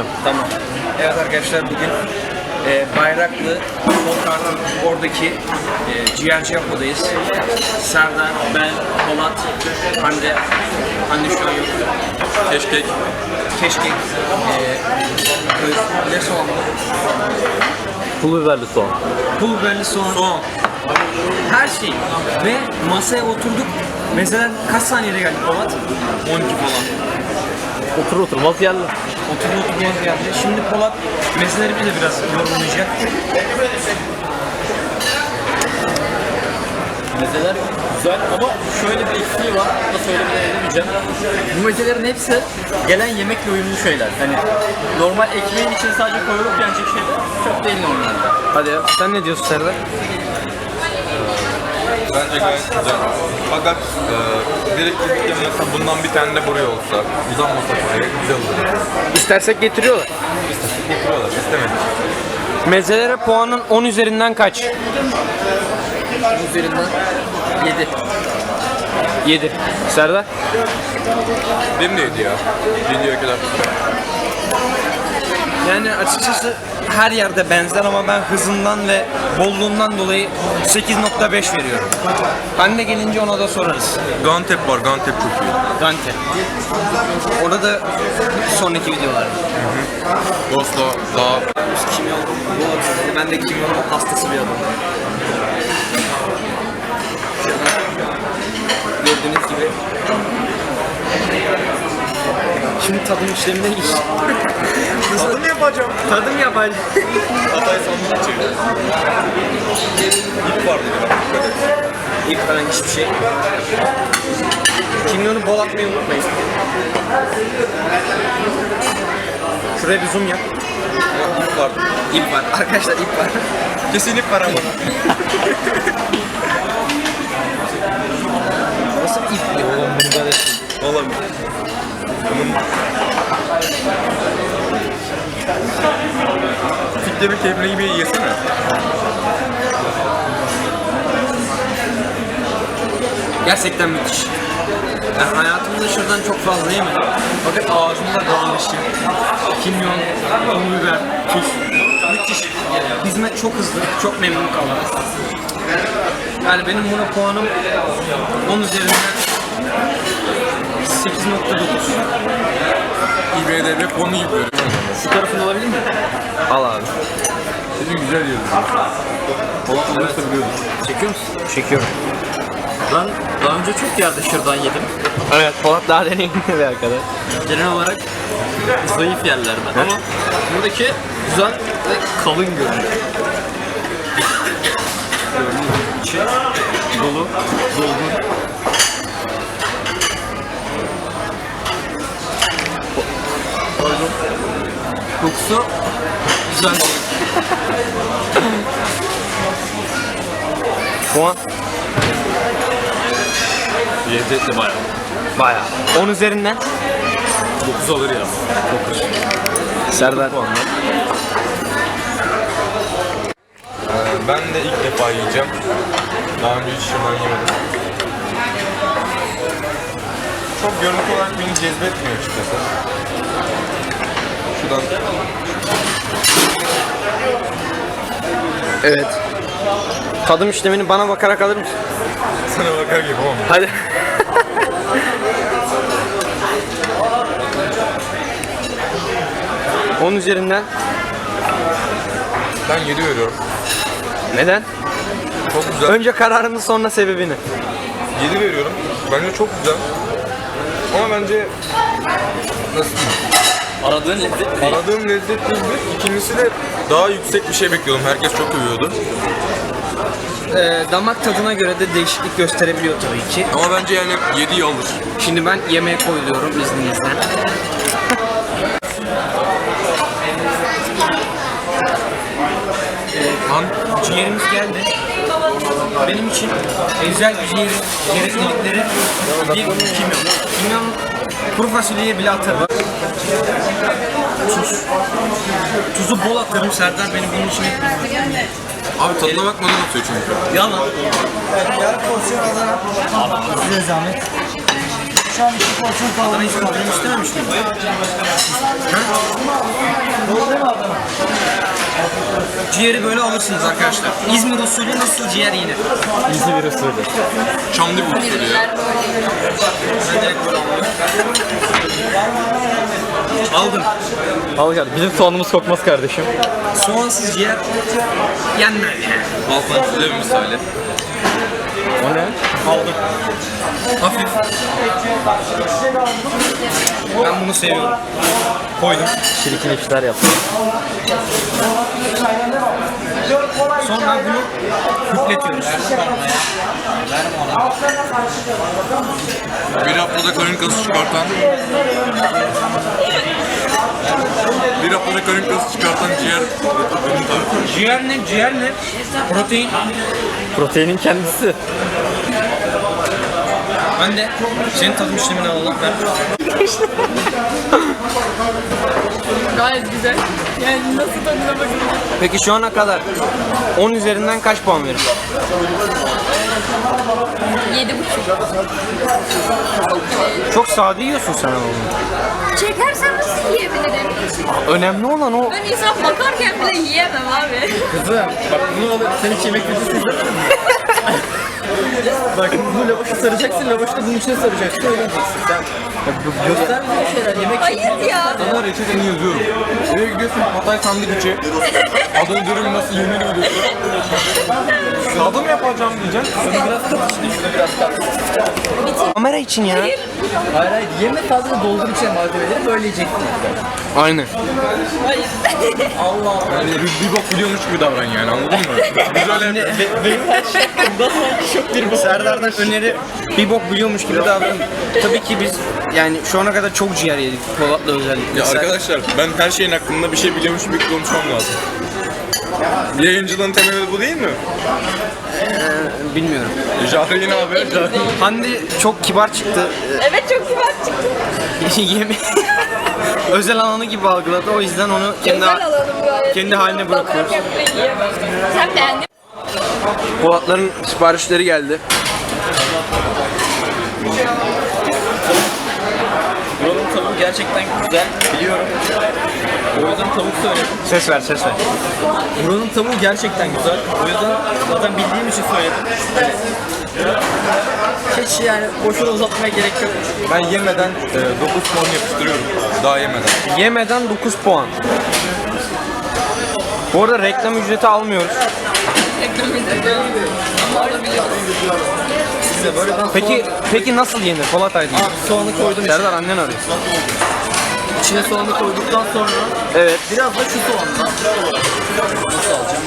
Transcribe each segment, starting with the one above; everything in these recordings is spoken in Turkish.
Tamam. Evet arkadaşlar, bugün Bayraklı Volkar'ın oradaki ciğerci yapmadayız. Serdar, ben, Polat, Hande şu an yok. Keşkek. Ne soğan? Pul biberli soğan. Pul biberli soğan. Her şey. Ve masaya oturduk. Mesela kaç saniyede geldi Polat? 12 falan. Otur oturmaz yerler. Oturmaz geldi. Şimdi Polat mezeleri bize biraz yorumlayacak. Mezeler güzel ama şöyle bir eksiği var. Da söylemeden edemeyeceğim. Bu mezelerin hepsi gelen yemekle uyumlu şeyler. Hani normal ekmeğin içine sadece koyulup yenecek şeyler çok değil normalde. Hadi ya. Sen ne diyorsun Serdar? Bence gayet güzel. Fakat direkt gidip mesela bundan bir tane de buraya olsa, uzanmasa buraya güzel olur. İstersek getiriyorlar. İstedik getiriyorlar, istemedik. Mezelere puanın 10 üzerinden kaç? 10 üzerinden 7. 7. Serdar? Benim de yedi ya. Videoya kadar. Yani açıkçası her yerde benzer ama ben hızından ve bolluğundan dolayı 8.5 veriyorum. Hande gelince ona da sorarız. Gantep var, Gantep çok iyi. Gante. Orada sonraki videolar. Dosta daha Kimyon. Ben de kimyon hastası bir adamım. Gördüğünüz gibi. Şimdi tadım işlemine geç. tadım yapacağım. Tadım yapacağım. Hatay sandık çeviriyor. İp var diyor. İlk falan hiçbir şey. Kimyonu bol atmayı unutmayın. Şuraya bir zoom yap. İp var. İp var. Arkadaşlar ip var. Kesin ip var ama. Nasıl bir ip ya oğlum bunu böyle? Olabilir. Fikre bir keyfine gibi yesene. Gerçekten müthiş. Ben hayatımda şuradan çok fazla yemedim. Fakat ağzımda dağılmıştı. Kimyon, pul biber, tuz. Müthiş. Hizmet çok hızlı, çok memnun kaldım. Yani benim buna puanım 10 üzerinden 8.9. İBD'de konu gibi görüyorum. Şu tarafını alabilir miyim? Al abi. Dedim güzel yiyorum. Polat olursa biliyordum. Çekiyor musun? Çekiyorum. Ben daha önce çok yerde şırdan yedim. Evet, Polat daha deneyimli bir arkadaş. Genel olarak zayıf yerlerden ama buradaki güzel ve kalın görünüyor. İçi dolu, dolgun. Pardon. Kokusu güzel değil. Puan Lezzetli bayağı. bayağı. 10 üzerinden 9 alır ya. Serdar. Ben de ilk defa yiyeceğim. Daha önce hiç şırdan yemedim. Çok görüntü olarak beni cezbetmiyor açıkçası. Şuradan Evet. Tadım işlemini bana bakarak alır mısın? sana bakar gibi ama. Hadi. On üzerinden Ben 7 veriyorum. neden? Çok güzel. Önce kararını sonra sebebini. 7 veriyorum. Bence çok güzel. Ama bence nasıl diyeyim? Aradığın lezzet değil. Aradığım lezzet değil. İkincisi de daha yüksek bir şey bekliyordum. Herkes çok övüyordu. Damak tadına göre de değişiklik gösterebiliyor tabii ki. Ama bence yani 7'yi alır. Şimdi ben yemeğe koyuluyorum izninizle. Ciğerimiz geldi. Benim için özel bir ciğerin gereklilikleri bir kimyon. Kimyon kuru fasulyeye bile atarım. Tuz. Tuzu bol atarım. Serdar beni bunun için etmiyor. Abi tadına bakmadan atıyor çünkü. Yalan. Yarım porsiyon Adana. Size zahmet. Şu an 2 porsiyon Adana kavurma hiç öldürüm istememiş miyim? ciğeri böyle alırsınız arkadaşlar. İzmir usulü nasıl ciğer yenir? İzmir usulü. Çamlı bir usulü ya. Ben direkt böyle alıyorum. Aldım. Al kardeşim. Bizim soğanımız kokmaz kardeşim. Soğansız ciğer yenmez yani. Balkan size bir misali. O ne? Aldım. Hafif. Ben bunu seviyorum. Koydum. Çirkin işler yaptım. Sonra bunu hüpletiyoruz. Bir haftada karın kası çıkartan ciğer ürün tarifi. Ciğer ne? Ciğer ne? Protein. Proteinin kendisi. Ben de senin tadım işlemini alalım. Gayet güzel. Yani nasıl tadına bakın. Peki şu ana kadar 10 üzerinden kaç puan verir? 7,5. Çok sade yiyorsun sen oğlum. Çekersen nasıl yiyebilirim? Önemli olan o. Ben insan bakarken bile yiyemem abi. Kızım bak bunu alıp sen hiç yemek videosu izledin mi? Bak bu lavaşı saracaksın, lavaşı da bunun içine saracaksın, öyle yiyeceksin sen. Ya, göster bize şeyler, yemek Hayır ya. Sana reçeteni yazıyorum. Eve gidiyorsun Hatay sandviçi. Adını dürüm nasıl yenir biliyorsun. Tadım yapacağım diyeceksin. Şunu biraz katış şunu biraz katış. Kamera için ya. Hayır hayır, yeme sadece doldur içine malzemeleri, böyle yiyeceksin. Aynen. Yani bir bok biliyormuş gibi davran yani anladın mı? Biz öyle Serdar'dan öneri bir bok biliyormuş gibi davranın. Tabii ki biz yani şu ana kadar çok ciğer yedik Polat'la özellikle. Ya arkadaşlar ben her şeyin hakkında bir şey biliyormuş gibi konuşmam lazım. Yayıncılığın temeli bu değil mi? Bilmiyorum. Jahreyn abi. Hande çok kibar çıktı. Evet çok kibar çıktı. Yeme özel alanı gibi algıladı. O yüzden onu kendi Özel alalım gayet. kendi haline bırakıyoruz. Bakarken bile yiyemem. Sen beğendin. Polat'ların siparişleri geldi. Buranın tavuğu gerçekten güzel, biliyorum. O yüzden tavuk söyledim. Ses ver, ses ver. Buranın tavuğu gerçekten güzel. O yüzden zaten bildiğim için söyledim. Hiç yani boşuna uzatmaya gerek yok. Ben yemeden 9 puan yapıştırıyorum. Daha yemeden. Yemeden 9 puan. Bu arada reklam ücreti almıyoruz. Size böyle ben Peki nasıl yenir Polat Aydın? soğanı koydum. Serdar annen arıyor. İçine soğanı koyduktan sonra Evet. biraz da şu soğanla. Nasıl alacağım?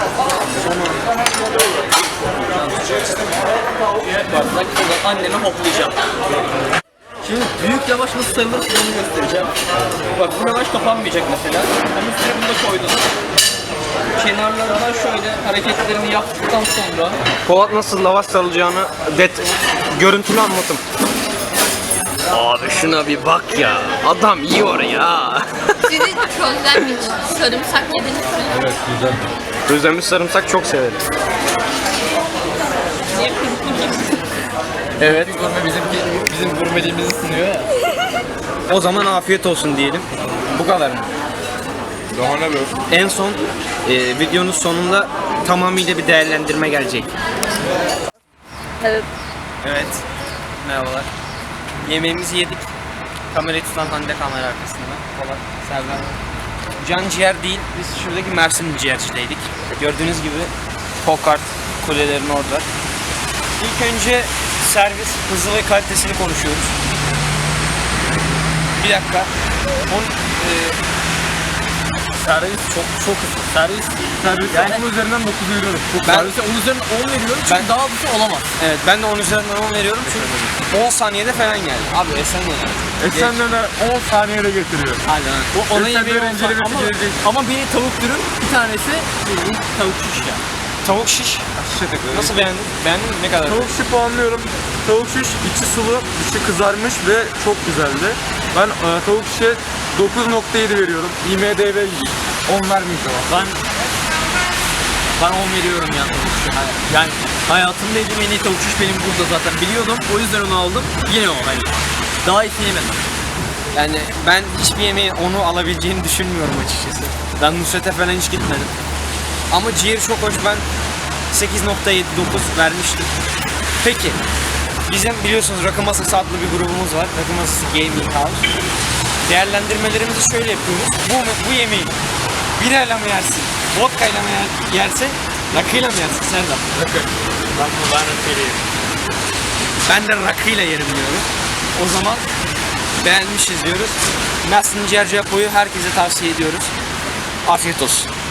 Bardak buradan anneme hoplayacağım. Şimdi büyük lavaş nasıl sayılır onu göstereceğim. Bak bu lavaş kapanmayacak mesela. Ama üstüne bunu da koydum. Kenarlarından şöyle hareketlerini yaptıktan sonra Polat nasıl lavaş sarılacağını görüntülü anlatım. Abi şuna bir bak ya. Adam yiyor ya. Sizi közlenmiş sarımsak yediniz mi? Evet güzel. Közlenmiş sarımsak çok severim. Niye kırpınca? evet gurme bizim gurmeliğimizi sunuyor ya. O zaman afiyet olsun diyelim. Bu kadar mı? Daha ne böyle? En son videonun sonunda tamamıyla bir değerlendirme gelecek. Evet. Evet. Merhabalar. Yemeğimizi yedik. Kamerayı tutan Hande kamera arkasında. Polat, Serdar. Can ciğer değil. Biz şuradaki Mersin ciğercideydik. Gördüğünüz gibi Pokart kulelerin orada. İlk önce servis hızı ve kalitesini konuşuyoruz. Bir dakika. Servis çok hızlı. Servis Yani bunun üzerinden 9 veriyorum. servise 10 üzerinden 10 veriyorum çünkü Ben- daha hızlı olamaz. Evet, ben de 10 üzerinden 10 veriyorum çünkü 10 saniyede falan geldi. Abi Esen ne? Esenler'e 10 saniyede getiriyor. Hadi lan. O ona yemeği Esenler'in olsa incelemesi ama gelecek. Ama bir tavuk dürüm, bir tanesi bildiğin tavuk şiş ya. tavuk şiş. Nasıl beğendin? Beğendin mi? Ne kadar? Tavuk şiş puanlıyorum. Tavuk şiş içi sulu, içi kızarmış ve çok güzeldi. Ben tavuk şişe 9.7 veriyorum. IMDb 10 vermeyeceğim. Ben 10 veriyorum ya tavuk şiş. Yani hayatımda yediğim en iyi tavuk şiş benim burada zaten biliyordum. O yüzden onu aldım. Yine o hani. Daha iyisini yemedim. Yani ben hiçbir yemeğin onu alabileceğini düşünmüyorum açıkçası. Ben Nusret'e falan hiç gitmedim. Ama ciğeri çok hoş. Ben 8.79 vermiştim. Peki. Bizim biliyorsunuz Rakı Masası adlı bir grubumuz var. Rakı Masası Gaming House. Değerlendirmelerimizi şöyle yapıyoruz. Bu yemeği birayla mı yersin? Vodkayla mı yersin? Rakıyla mı yersin Serdar? Rakı. Ben rakıyla Ben de rakıyla yerim diyorum. O zaman beğenmişiz diyoruz. Mersin Ciğerci Apo'yu herkese tavsiye ediyoruz. Afiyet olsun.